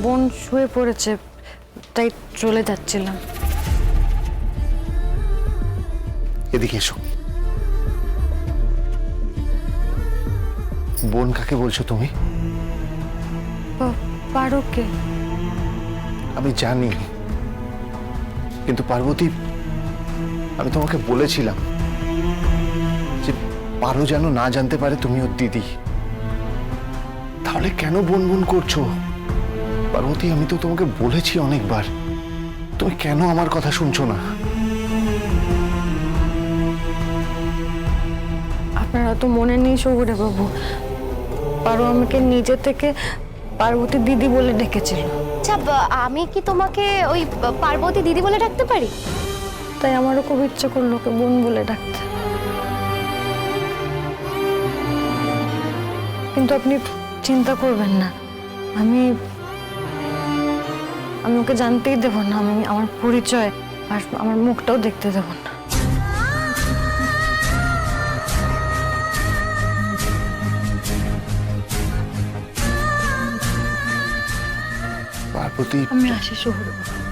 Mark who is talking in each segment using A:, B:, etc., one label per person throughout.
A: বোন শুয়ে পড়েছে, তাই চলে যাচ্ছিলাম।
B: এদিকে এসো। বোন কাকে বলছো তুমি?
A: পারোকে।
B: আমি জানি, কিন্তু পার্বতী, আমি তোমাকে বলেছিলাম যে পারো যেন না জানতে পারে তুমি ওর দিদি। তাহলে কেন বোন বোন করছো? পার্বতী, আমি তো তোমাকে বলেছি অনেকবার, তুমি কেন আমার কথা শুনছো না?
A: আপনারা তো মনে নেই সৌগরে বাবু, পারো আমাকে নিজে থেকে পার্বতী দিদি বলে ডেকেছিল।
C: আচ্ছা, আমি কি তোমাকে ওই পার্বতী দিদি বলে ডাকতে পারি?
A: তাই আমারও খুব ইচ্ছে করলো ওকে বোন বলে ডাকতে। কিন্তু আপনি চিন্তা করবেন না, আমি ওকে জানতেই দেব না, আমি আমার পরিচয় আর আমার মুখটাও দেখতে দেব না।
B: পার্বতী,
A: আমি আসি শহরে।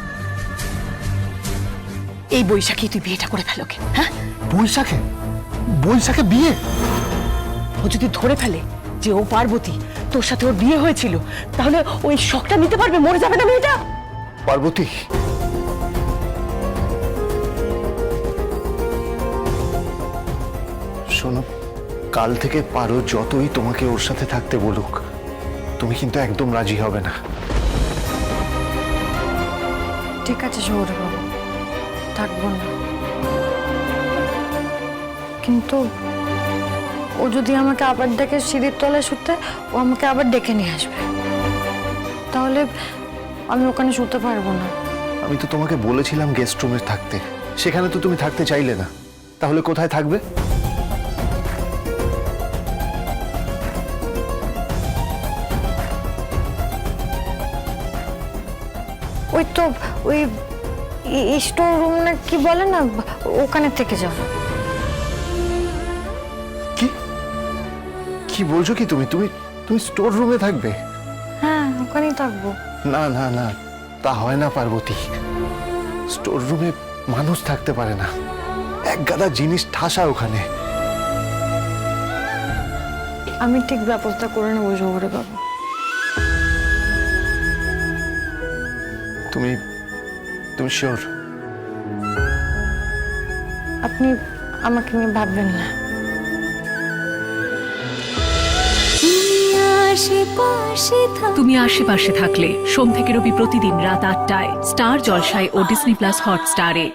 D: এই বৈশাখী তুই বিয়েটা করে ফেলো কে? হ্যাঁ,
B: বৈশাখে? বৈশাখে বিয়ে?
D: ও যদি ধরে ফেলে যে ও পার্বতী, তোর সাথে ওর বিয়ে হয়েছিল, তাহলে ওই শখটা নিতে পারবে? মরে যাবে না মেয়েটা?
B: পার্বতী, শোনো, কাল থেকে পারো যতই তোমাকে ওর সাথে থাকতে বলুক, তুমি কিন্তু একদম রাজি হবে না।
A: ঠিক আছে শহরে বাবু, থাকবো না। কিন্তু ও যদি আমাকে আবার ডেকে সিঁড়ির তলায় শুতে, ও আমাকে আবার ডেকে নিয়ে আসবে, তাহলে আমি ওখানে শুতে পারবো না।
B: আমি তো তোমাকে বলেছিলাম গেস্ট রুমে থাকতে, সেখানে তো তুমি থাকতে চাইলে না, তাহলে কোথায় থাকবে?
A: ওই তো ওই স্টোর রুম না কি বলে না, ওখানে থেকে যাও।
B: কি কি বলছো কি তুমি? তুমি তুমি স্টোর রুমে থাকবে?
A: হ্যাঁ, ওখানেই থাকবো।
B: না না না, তা হয় না পার্বতী। স্টোর রুমে মানুষ থাকতে পারে না, এক গাদা জিনিস ঠাসা ওখানে।
A: আমি ঠিক ব্যবস্থা করে নেবো শহরে বাবু।
B: তুমি তুমি শিওর?
A: আপনি আমাকে নিয়ে ভাববেন না।
E: তুমি আশেপাশে থাকলে সোম থেকে রবি প্রতিদিন রাত ৮টায় স্টার জলসায় ও ডিজনি প্লাস হটস্টারে।